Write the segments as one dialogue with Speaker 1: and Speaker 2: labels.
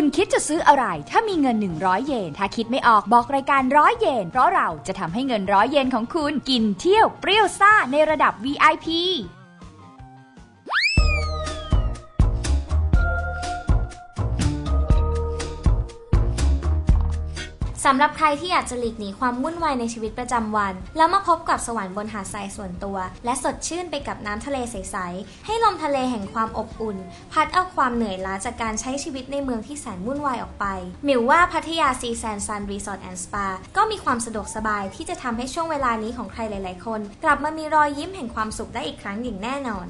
Speaker 1: คุณคิดจะซื้ออะไรถ้ามีเงิน100 เยนถ้าคิดไม่ออกบอกรายการ100 เยนเพราะเราจะทำให้เงิน100 เยนของคุณกินเที่ยวเปรี้ยวซ่าในระดับ VIP
Speaker 2: สำหรับใครที่อยากจะหลีกหนีความวุ่นวายในชีวิตประจำวันแล้วมาพบกับสวรรค์บนหาดทรายส่วนตัวและสดชื่นไปกับน้ำทะเลใสๆให้ลมทะเลแห่งความอบอุ่นพัดเอาความเหนื่อยล้าจากการใช้ชีวิตในเมืองที่แสนวุ่นวายออกไปหมิวว่าพัทยาซีแซนซันรีสอร์ทแอนด์สปาก็มีความสะดวกสบายที่จะทำให้ช่วงเวลานี้ของใครหลายๆคนกลับมามีรอยยิ้มแห่งความสุขได้อีกครั้งอย่างแน่นอน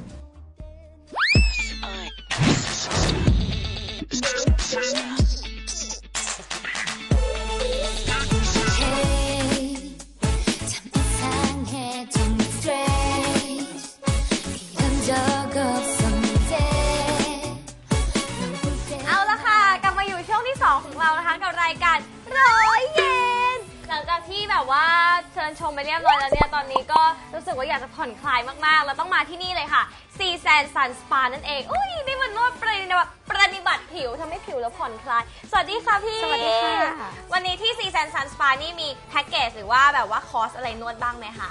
Speaker 3: ของเรานะคะกับรายการ100 เยนหลังจากที่แบบว่าเชิญชมไปเรียบร้อยแล้วเนี่ยตอนนี้ก็รู้สึกว่าอยากจะผ่อนคลายมากๆแล้วต้องมาที่นี่เลยค่ะซีแซนซันสปานั่นเองอุ้ยนี่มันนวดปฏิบัติผิวทำให้ผิวแล้วผ่อนคลายสวัสดีค่ะพี่
Speaker 2: สวัสดีค่ะ
Speaker 3: วันนี้ที่ซีแซนซันสปานี่มีแพ็กเกจหรือว่าแบบว่าคอร์สอะไรนวดบ้างไหมคะ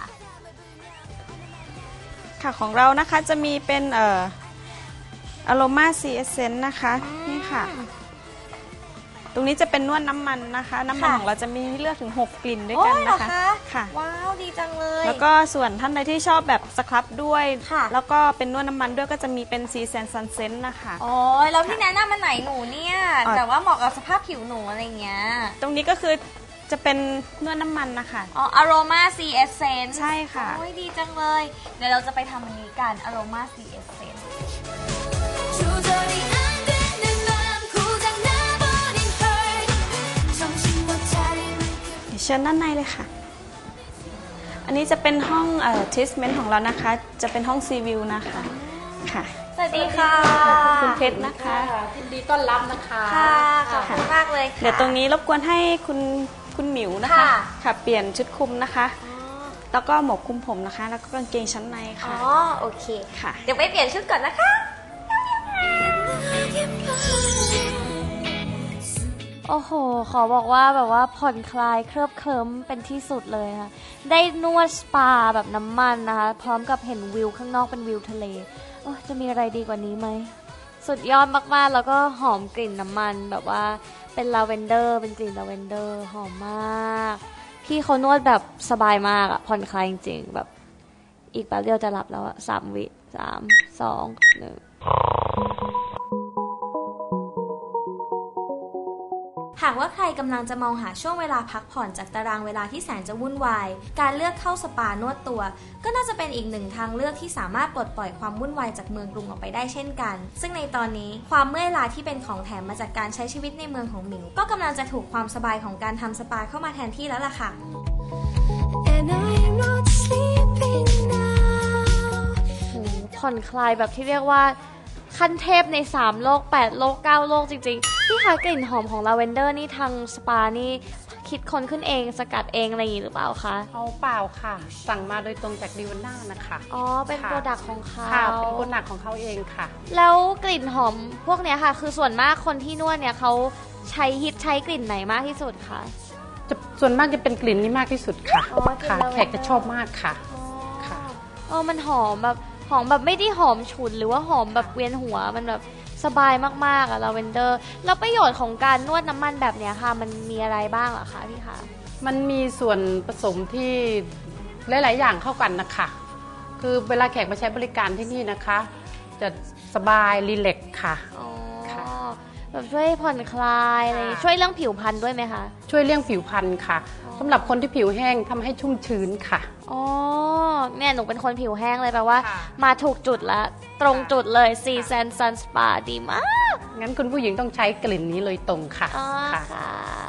Speaker 4: ค่ะของเรานะคะจะมีเป็นAroma Sea Essence นะคะนี่ค่ะตรงนี้จะเป็นนวดน้ำมันนะคะน้ำมันของเราจะมีให้เลือกถึง6 กลิ่นด้วยกันนะคะ
Speaker 3: ค่ะว้าวดีจังเลย
Speaker 4: แล้วก็ส่วนท่านใดที่ชอบแบบสครับด้วยแล้วก็เป็นนวดน้ำมันด้วยก็จะมีเป็น Sea Sand Sunset นะคะ
Speaker 3: อ๋อแล้วที่แนะนำมันไหนหนูเนี่ยแต่ว่าเหมาะกับสภาพผิวหนูอะไรเงี้ย
Speaker 4: ตรงนี้ก็คือจะเป็นนวดน้ำมันนะคะ
Speaker 3: อ๋อ Aroma Sea Essence
Speaker 4: ใช่ค่ะ
Speaker 3: โอ้ยดีจังเลยเดี๋ยวเราจะไปทำอันนี้กัน Aroma Sea Essence
Speaker 4: เชิญด้านในเลยค่ะอันนี้จะเป็นห้องทรีทเมนต์ของเรานะคะจะเป็นห้องซีวิวนะคะค่ะ
Speaker 3: สวัสดีค่ะ
Speaker 4: คุณเพชรนะคะ
Speaker 5: ยินดีต้อนรับนะคะ
Speaker 3: ค่ะขอบคุณมากเลยค่ะ
Speaker 4: เดี๋ยวตรงนี้รบกวนให้คุณหมิวนะคะค่ะเปลี่ยนชุดคลุมนะคะแล้วก็หมวกคลุมผมนะคะแล้วก็กางเกงชั้นในค่ะ
Speaker 3: อ๋อโอเค
Speaker 4: ค่ะ
Speaker 3: เดี๋ยวไปเปลี่ยนชุดก่อนนะคะโอ้โหขอบอกว่าแบบว่าผ่อนคลายเคลิบเคลิ้มเป็นที่สุดเลยค่ะได้นวดสปาแบบน้ำมันนะคะพร้อมกับเห็นวิวข้างนอกเป็นวิวทะเลโอ้จะมีอะไรดีกว่านี้ไหมสุดยอดมากๆแล้วก็หอมกลิ่นน้ำมันแบบว่าเป็นลาเวนเดอร์เป็นกลิ่นลาเวนเดอร์หอมมากพี่เขานวดแบบสบายมากอะผ่อนคลายจริงๆแบบอีกแป๊บเดียวจะหลับแล้วอะ3 วิ3 2 1หากว่าใครกำลังจะมองหาช่วงเวลาพักผ่อนจากตารางเวลาที่แสนจะวุ่นวายการเลือกเข้าสปานวดตัวก็น่าจะเป็นอีกหนึ่งทางเลือกที่สามารถปลดปล่อยความวุ่นวายจากเมืองกรุงออกไปได้เช่นกันซึ่งในตอนนี้ความเมื่อยล้าที่เป็นของแถมมาจากการใช้ชีวิตในเมืองของหมิวก็กำลังจะถูกความสบายของการทำสปาเข้ามาแทนที่แล้วล่ะค่ะผ่อนคลายแบบที่เรียกว่าขั้นเทพใน3 โลก8 โลก9 โลกจริงๆพี่คะกลิ่นหอมของลาเวนเดอร์นี่ทางสปานี่คิดค้นขึ้นเองสกัดเองอะไรอย่างนี้หรือเปล่าคะ
Speaker 5: เอาเปล่าค่ะสั่งมาโดยตรงจากดิวน่านะคะ
Speaker 3: อ๋อเป็นโปรดักต์ของเขา
Speaker 5: ค่ะเป็นโปรดักต์ของเขาเองค่ะ
Speaker 3: แล้วกลิ่นหอมพวกเนี้ยค่ะคือส่วนมากคนที่นวดเนี่ยเขาใช้กลิ่นไหนมากที่สุดคะ
Speaker 5: ส่วนมากจะเป็นกลิ่นนี้มากที่สุดค่ะค่ะแขกจะชอบมากค่ะ
Speaker 3: ค่ะมันหอมแบบไม่ได้หอมฉุนหรือว่าหอมแบบเวียนหัวมันแบบสบายมากๆอะลาเวนเดอร์แล้วประโยชน์ของการนวดน้ำมันแบบเนี้ยค่ะมันมีอะไรบ้างเหรอคะพี่คะ
Speaker 5: มันมีส่วนผสมที่หลายๆอย่างเข้ากันนะคะคือเวลาแขกมาใช้บริการที่นี่นะคะจะสบายรีแลกซ์ค่ะ
Speaker 3: แบบช่วยผ่อนคลายอะไรช่วยเรื่องผิวพรรณด้วยไหมคะ
Speaker 5: ช่วยเรื่องผิวพรรณค่ะสำหรับคนที่ผิวแห้งทำให้ชุ่มชื้นค่ะ
Speaker 3: อ๋อเนี่ยหนูเป็นคนผิวแห้งเลยแปลว่ามาถูกจุดแล้วตรงจุดเลยSea Sand Sun Spaดีมาก
Speaker 5: งั้นคุณผู้หญิงต้องใช้กลิ่นนี้เลยตรงค่ะ
Speaker 3: ค่ะ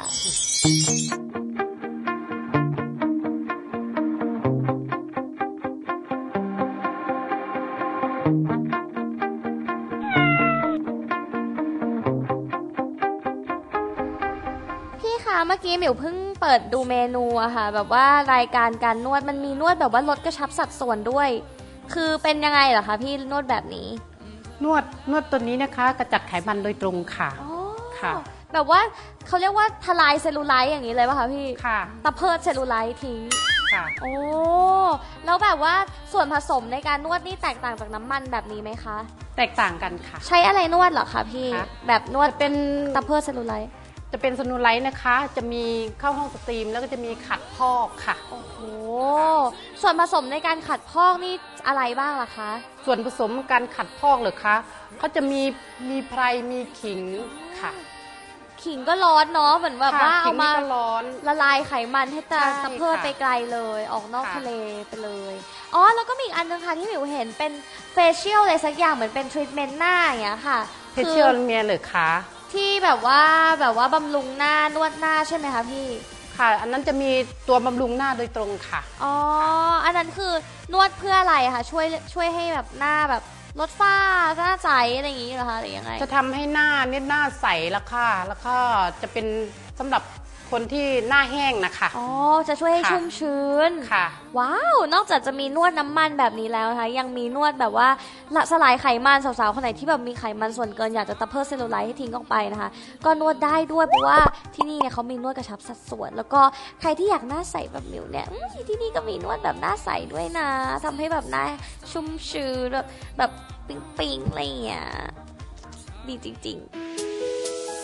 Speaker 3: เมื่อกี้หมิวเพิ่งเปิดดูเมนูอะค่ะแบบว่ารายการการนวดมันมีนวดแบบว่าลดกระชับสัดส่วนด้วยคือเป็นยังไงเหรอคะพี่นวดแบบนี้
Speaker 5: นวดตัวนี้นะคะกระจัดไขมันโดยตรงค่ะ
Speaker 3: ค่ะแบบว่าเขาเรียกว่าทลายเซลลูไลท์อย่างนี้เลยป่ะคะพี่
Speaker 5: ค่ะ
Speaker 3: ตะเพิดเซลลูไลท์ทิ้ง
Speaker 5: ค่ะ
Speaker 3: โอ้แล้วแบบว่าส่วนผสมในการนวดนี่แตกต่างจากน้ำมันแบบนี้ไหมคะ
Speaker 5: แตกต่างกันค่ะ
Speaker 3: ใช้อะไรนวดเหรอคะพี่
Speaker 5: ค่ะ
Speaker 3: แบบนวด
Speaker 5: เป็น
Speaker 3: ตะเพิดเซลลูไลท์
Speaker 5: จะเป็นสนูไลท์นะคะ จะมีเข้าห้องสตรีมแล้วก็จะมีขัดพอกค่ะ
Speaker 3: โอ้โหส่วนผสมในการขัดพอกนี่อะไรบ้างล่ะคะ
Speaker 5: ส่วนผสมการขัดพอกเหรอคะเขาจะมีไพรมีขิงค่ะ
Speaker 3: ขิงก็ร้อนเนาะเหมือนแบบว่า
Speaker 5: ค่ะ
Speaker 3: เอา
Speaker 5: ขิง
Speaker 3: มา
Speaker 5: นี่ก็ร้อน
Speaker 3: ละลายไขมันให้
Speaker 5: ใช่
Speaker 3: ตะเพิด
Speaker 5: ค่ะ
Speaker 3: ไปไกลเลยออกนอก
Speaker 5: ค่ะ
Speaker 3: ทะเลไปเลยอ๋อแล้วก็มีอีกอันนึงค่ะที่หมิวเห็นเป็นเฟเชียลอะไรสักอย่างเหมือนเป็นทรีทเมนต์หน้าอย่างเงี้ยค่ะ
Speaker 5: เพชเชียลเมียเหรือคะ
Speaker 3: ที่แบบว่าบำรุงหน้านวดหน้าใช่ไหมคะพี่
Speaker 5: ค่ะ อันนั้นจะมีตัวบำรุงหน้าโดยตรงค่ะ
Speaker 3: อ๋ออันนั้นคือนวดเพื่ออะไรคะช่วยให้แบบหน้าแบบลดฝ้าหน้าใสอะไรอย่างงี้เหรอคะหรือยังไง
Speaker 5: จะทำให้หน้าเนี่ยหน้าใสแล้วค่ะ แล้วก็จะเป็นสำหรับคนที่หน้าแห้งนะคะ
Speaker 3: อ๋อจะช่วยให้
Speaker 5: ค่ะ
Speaker 3: ชุ่มชื้น
Speaker 5: ค่ะ
Speaker 3: ว้าวนอกจากจะมีนวดน้ำมันแบบนี้แล้วนะคะยังมีนวดแบบว่าละสลายไขมันสาวๆคนไหนที่แบบมีไขมันส่วนเกินอยากจะตะเพิดเซลลูไลท์ให้ทิ้งออกไปนะคะก็นวดได้ด้วยเพราะว่าที่นี่เนี่ยเขามีนวดกระชับสัดส่วน แล้วก็ใครที่อยากหน้าใสแบบมิวเนี่ยที่นี่ก็มีนวดแบบหน้าใสด้วยนะทำให้แบบหน้าชุ่มชื้นแบบปิ๊งๆอะไรอย่างเงี้ยดีจริงๆ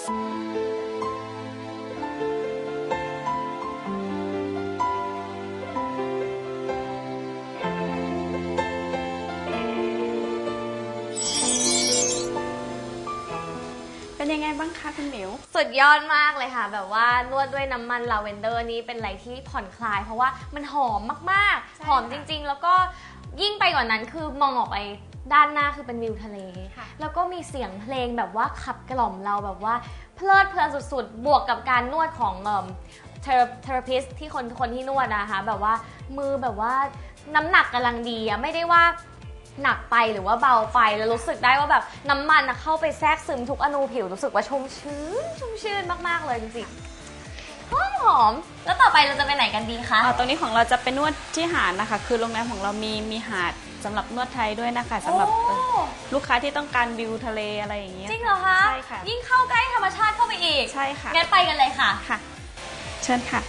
Speaker 4: เป็นยังไงบ้างคะคุณหมิว
Speaker 3: สุดยอดมากเลยค่ะแบบว่านวดด้วยน้ำมันลาเวนเดอร์นี้เป็นอะไรที่ผ่อนคลายเพราะว่ามันหอมมากๆหอมจริงๆ แล้วก็ยิ่งไปกว่านั้นคือมองออกไปด้านหน้าคือเป็นวิวทะเลแล้วก็มีเสียงเพลงแบบว่าขับกล่อมเราแบบว่าเพลิดเพลินสุดๆบวกกับการนวดของเทอราพิสที่คนที่นวดนะคะแบบว่ามือแบบว่าน้ำหนักกำลังดีอะไม่ได้ว่าหนักไปหรือว่าเบาไปแล้วรู้สึกได้ว่าแบบน้ำมันเข้าไปแทรกซึมทุกอนูผิวรู้สึกว่าชุ่มชื่นมากๆเลยจริงๆหอมแล้วต่อไปเราจะไปไหนกันดีคะ
Speaker 4: ตรงนี้ของเราจะเป็นนวดที่หาดนะคะ คือโรงแรมของเรามีหาดสำหรับนวดไทยด้วยนะคะสำหรับลูกค้าที่ต้องการวิวทะเลอะไรอย่างเงี้ย
Speaker 3: จริงเหรอคะ
Speaker 4: ใช่ค่ะ
Speaker 3: ยิ่งเข้าใกล้ธรรมชาติเข้าไปอีก
Speaker 4: ใช่ค่ะ
Speaker 3: งั้นไปกันเลยค่ะ
Speaker 4: ค่ะ เชิญค่ะ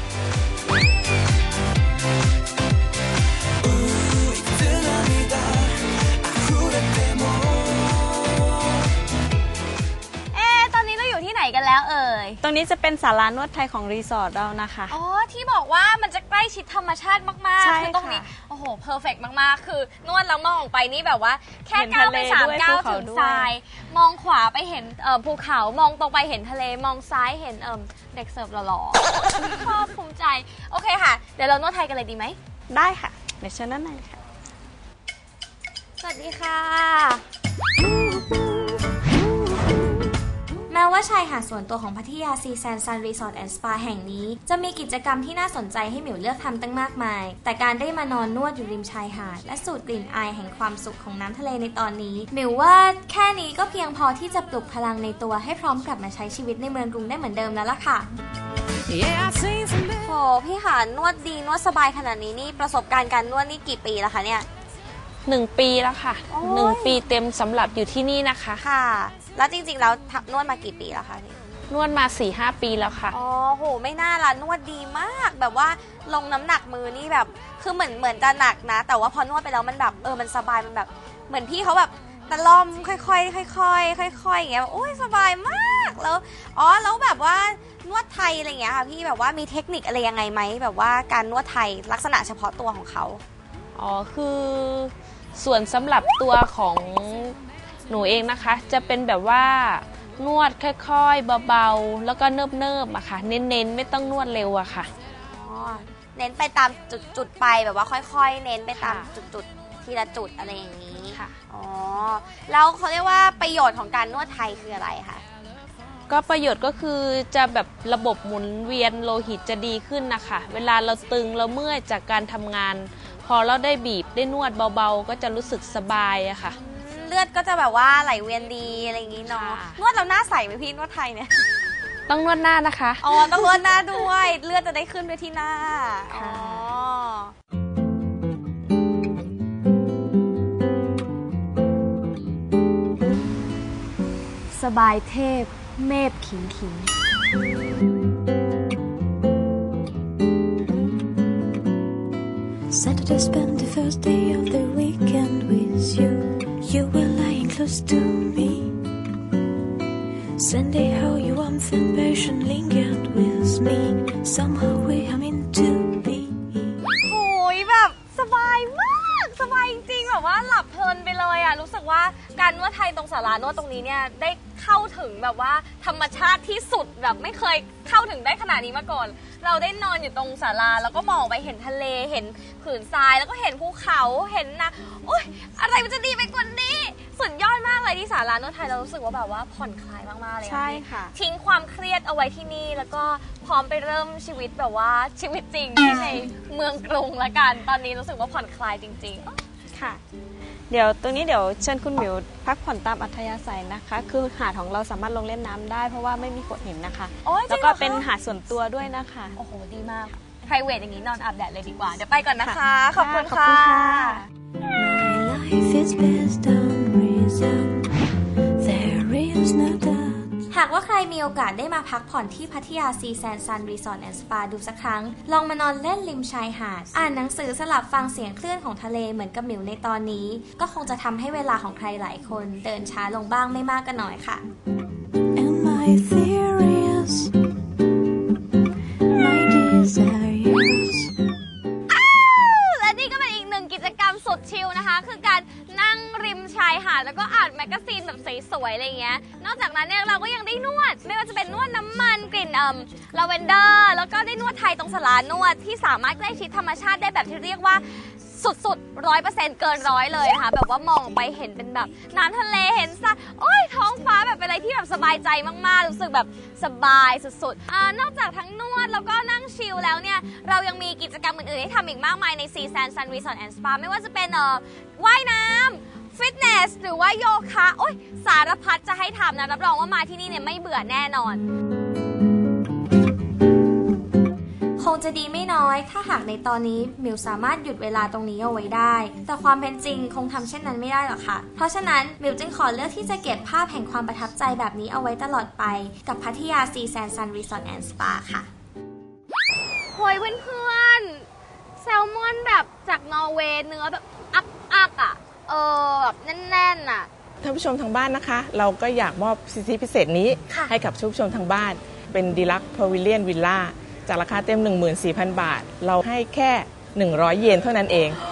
Speaker 3: ตอนนี้เราอยู่ที่ไหนกันแล้วเอ่ย
Speaker 4: ตรงนี้จะเป็นศาลานวดไทยของรีสอร์ทเรานะคะ
Speaker 3: อ๋อที่บอกว่ามันจะใกล้ชิดธรรมชาติมาก
Speaker 4: ใช่
Speaker 3: ๆ คือตรงนี้
Speaker 4: ค่ะ
Speaker 3: โอ้โหเพอร์เฟกต์มากๆ คือนวดแล้วมองออกไปนี่แบบว่าแค่
Speaker 4: เห็น
Speaker 3: ก้าว
Speaker 4: ทะ
Speaker 3: ไป
Speaker 4: เล
Speaker 3: 3
Speaker 4: ด้วย
Speaker 3: ก้าว
Speaker 4: ภูเขา
Speaker 3: ถึง
Speaker 4: ด้วย
Speaker 3: ทราย มองขวาไปเห็นภูเขามองตรงไปเห็นทะเลมองซ้ายเห็นเด็กเสิร์ฟหล่อๆ ชอบภูมิใจโอเคค่ะเดี๋ยวเรานวดไทยกันเลยดีไหม
Speaker 4: ได้ค่ะเดี๋ยวเชิญด้านในค่ะ
Speaker 3: สวัสดีค่ะ แม้ว่าชายหาดส่วนตัวของพัทยาซีแซนซันรีสอร์ทแอนด์สปาแห่งนี้จะมีกิจกรรมที่น่าสนใจให้หมิวเลือกทำตั้งมากมาย แต่การได้มานอนนวดอยู่ริมชายหาดและสูดกลิ่นอายแห่งความสุขของน้ำทะเลในตอนนี้หมิวว่าแค่นี้ก็เพียงพอที่จะปลุกพลังในตัวให้พร้อมกลับมาใช้ชีวิตในเมืองกรุงได้เหมือนเดิมแล้วล่ะค่ะโหพี่หานวดดีนวดสบายขนาดนี้นี่ประสบการณ์การนวดนี่กี่ปีแล้วคะเนี่ย
Speaker 6: 1 ปีแล้วค่ะ
Speaker 3: โอ้ย
Speaker 6: 1 ปีเต็มสำหรับอยู่ที่นี่นะคะ
Speaker 3: ค่ะ แล้วจริงๆแล้วนวดมากี่ปีแล้วคะนี่
Speaker 6: นวดมา 4-5 ปีแล้วค่ะ
Speaker 3: อ๋อโหไม่น่าละนวดดีมากแบบว่าลงน้ำหนักมือนี่แบบคือเหมือนจะหนักนะ แต่ว่าพอนวดไปแล้วมันแบบมันสบายมันแบบเหมือนพี่เขาแบบตะล่อมค่อยๆค่อยๆค่อยๆอย่างเงี้ยแบบโอ้ยสบายมากแล้วแล้วแบบว่านวดไทยอะไรอย่างเงี้ยค่ะพี่แบบว่ามีเทคนิคอะไรยังไงไหมแบบว่าการนวดไทยลักษณะเฉพาะตัวของเขา
Speaker 6: อ๋อคือส่วนสำหรับตัวของหนูเองนะคะ จะเป็นแบบว่านวดค่อยๆเบาๆแล้วก็เนิบๆอะค่ะ เน้นๆไม่ต้องนวดเร็วอะค่ะ
Speaker 3: อ๋อเน้นไปตามจุดไปแบบว่าค่อยๆ เน้นไปตาม
Speaker 6: ค่ะ
Speaker 3: จุดทีละจุดอะไรอย่างนี้
Speaker 6: ค่ะ
Speaker 3: อ๋อแล้วเขาเรียกว่าประโยชน์ของการนวดไทยคืออะไรคะ
Speaker 6: ก็ประโยชน์ก็คือจะแบบระบบหมุนเวียนโลหิตจะดีขึ้นนะคะ เวลาเราตึงเราเมื่อยจากการทำงาน พอเราได้บีบได้นวดเบาๆ ก็จะรู้สึกสบายอะค่ะ
Speaker 3: เลือดก็จะแบบว่าไหลเวียนดีอะไรอย่างนี้เนาะ
Speaker 6: ค่ะ
Speaker 3: นวดแล้วหน้าใสไหมพี่นวดไทยเนี่ย
Speaker 6: ต้องนวดหน้านะคะ
Speaker 3: อ๋อต้องนวดหน้าด้วยเลือดจะได้ขึ้นไปที่หน้าอ๋อ
Speaker 6: ค่ะ
Speaker 1: สบายเทพ
Speaker 3: เมพขิงขิง
Speaker 7: Saturday spent the first day of the weekend with you. You were lying close to me. Sunday, how your warmth and passion lingered with me. Somehow we are meant to be.
Speaker 3: โอ้ยแบบสบายมากสบายจริงๆแบบว่าหลับเพลินไปเลยอ่ะรู้สึกว่าการนวดไทยตรงศาลานวดตรงนี้เนี่ยได้เข้าถึงแบบว่าธรรมชาติที่สุดแบบไม่เคยเข้าถึงได้ขนาดนี้มาก่อนเราได้นอนอยู่ตรงศาลาแล้วก็มองไปเห็นทะเลเห็นผืนทรายแล้วก็เห็นภูเขาเห็นนะโอ๊ยอะไรมันจะดีไปกว่านี้สุดยอดมากเลยที่ศาลานวดไทยเรารู้สึกว่าแบบว่าผ่อนคลายมากๆเลย
Speaker 4: ใช่ค่ะ
Speaker 3: ทิ้งความเครียดเอาไว้ที่นี่แล้วก็พร้อมไปเริ่มชีวิตแบบว่าชีวิตจริงที่ในเมืองกรุงละกันตอนนี้รู้สึกว่าผ่อนคลายจริงๆ
Speaker 4: ค่ะ เดี๋ยวตรงนี้เดี๋ยวเชิญคุณหมิวพักผ่อนตามอัธยาศัยนะคะ คือหาดของเราสามารถลงเล่นน้ำได้เพราะว่าไม่มีโขดหินนะคะ
Speaker 3: โอ้ยจริงเหรอคะ
Speaker 4: แล้วก็เป็นหาดส่วนตัวด้วยนะคะ
Speaker 3: โอ้โหดีมาก private อย่างนี้นอนอาบแดดเลยดีกว่าเดี๋ยวไปก่อนนะคะ
Speaker 4: ค่ะ
Speaker 3: ขอบคุณ
Speaker 4: ขอบคุ
Speaker 3: ค่ะ
Speaker 4: ณค่ะ
Speaker 7: My life is based on reason. There is no doubt.
Speaker 2: หากว่าใครมีโอกาสได้มาพักผ่อนที่พัทยาซีแซนซันรีสอร์ทแอนด์สปาดูสักครั้งลองมานอนเล่นริมชายหาดอ่านหนังสือสลับฟังเสียงคลื่นของทะเลเหมือนกับหมิวในตอนนี้ก็คงจะทำให้เวลาของใครหลายคนเดินช้าลงบ้างไม่มากก็น้อยค่ะ
Speaker 7: And my theories, my desires.
Speaker 3: และนี่ก็เป็นอีกหนึ่งกิจกรรมสุดชิลนะคะคือการนั่งริมชายหาดแล้วก็อ่านแมกกาซีนแบบสวยๆอะไรเงี้ยนอกจากนั้นเนี่ยเราก็ยังได้นวดไม่ว่าจะเป็นนวดน้ำมันกลิ่นลาเวนเดอร์แล้วก็ได้นวดไทยตรงศาลานวดที่สามารถใกล้ชิดธรรมชาติได้แบบที่เรียกว่าสุดๆ 100%เกินร้อยเลยนะคะแบบว่ามองไปเห็นเป็นแบบน้ำทะเลเห็นซะโอ้ยท้องฟ้าแบบเป็นอะไรที่แบบสบายใจมากๆรู้สึกแบบสบายสุดๆนอกจากทั้งนวดแล้วก็นั่งชิลแล้วเนี่ยเรายังมีกิจกรรมอื่นๆให้ทำอีกมากมายใน Sea Sand Sun Resort and Spa ไม่ว่าจะเป็นว่ายน้ำฟิตเนสหรือว่าโยคะโอ้ยสารพัดจะให้ทำนะรับรองว่ามาที่นี่เนี่ยไม่เบื่อแน่นอน
Speaker 2: คงจะดีไม่น้อยถ้าหากในตอนนี้มิวสามารถหยุดเวลาตรงนี้เอาไว้ได้แต่ความเป็นจริงคงทำเช่นนั้นไม่ได้หรอกค่ะเพราะฉะนั้นมิวจึงขอเลือกที่จะเก็บภาพแห่งความประทับใจแบบนี้เอาไว้ตลอดไปกับพัทยาซีแซนซันรีสอร์ทแอนด์สปาค่ะ
Speaker 3: โหยเพื่อนๆแซลมอนแบบจากนอร์เวย์เนื้อแบบอักอ่ะแบบแน่นๆอ่ะ
Speaker 8: ท่านผู้ชมทางบ้านนะคะเราก็อยากมอบสิทธิพิเศษนี้ให้กับผู้ชมทางบ้านเป็นดีลักซ์พาวิเลียนวิลล่าจากราคาเต็ม 14,000 บาทเราให้แค่100 เยนเท่านั้นเอง